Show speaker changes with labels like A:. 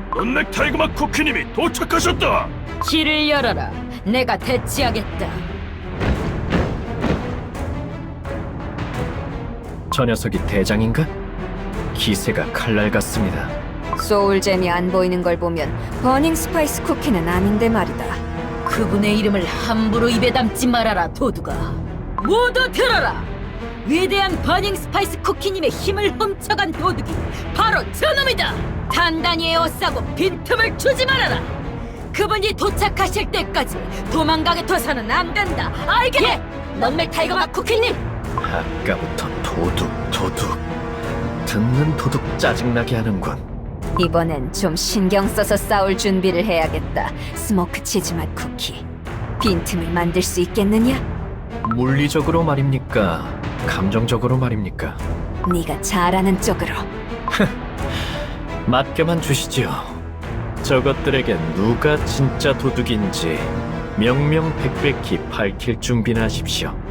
A: 넌넥 타이거맛 쿠키님이 도착하셨다.
B: 길을 열어라. 내가 대치하겠다.
C: 저 녀석이 대장인가? 기세가 칼날 같습니다.
D: 소울잼이 안 보이는 걸 보면 버닝 스파이스 쿠키는 아닌데 말이다.
B: 그분의 이름을 함부로 입에 담지 말아라, 도두가. 모두 들어라. 위대한 버닝 스파이스 쿠키님의 힘을 훔쳐간 도둑이 바로 저놈이다. 단단히 에워싸고 빈틈을 주지 말아라. 그분이 도착하실 때까지 도망가게 둬서는 안 된다. 알겠네? 넌맥 타이거맛 쿠키님.
C: 아까부터 도둑. 듣는 도둑 짜증나게 하는군.
D: 이번엔 좀 신경 써서 싸울 준비를 해야겠다. 스모크 치즈맛 쿠키. 빈틈을 만들 수 있겠느냐?
C: 물리적으로 말입니까? 감정적으로 말입니까?
D: 네가 잘하는 쪽으로.
C: 맡겨만 주시지요. 저것들에겐 누가 진짜 도둑인지 명명백백히 밝힐 준비나 하십시오.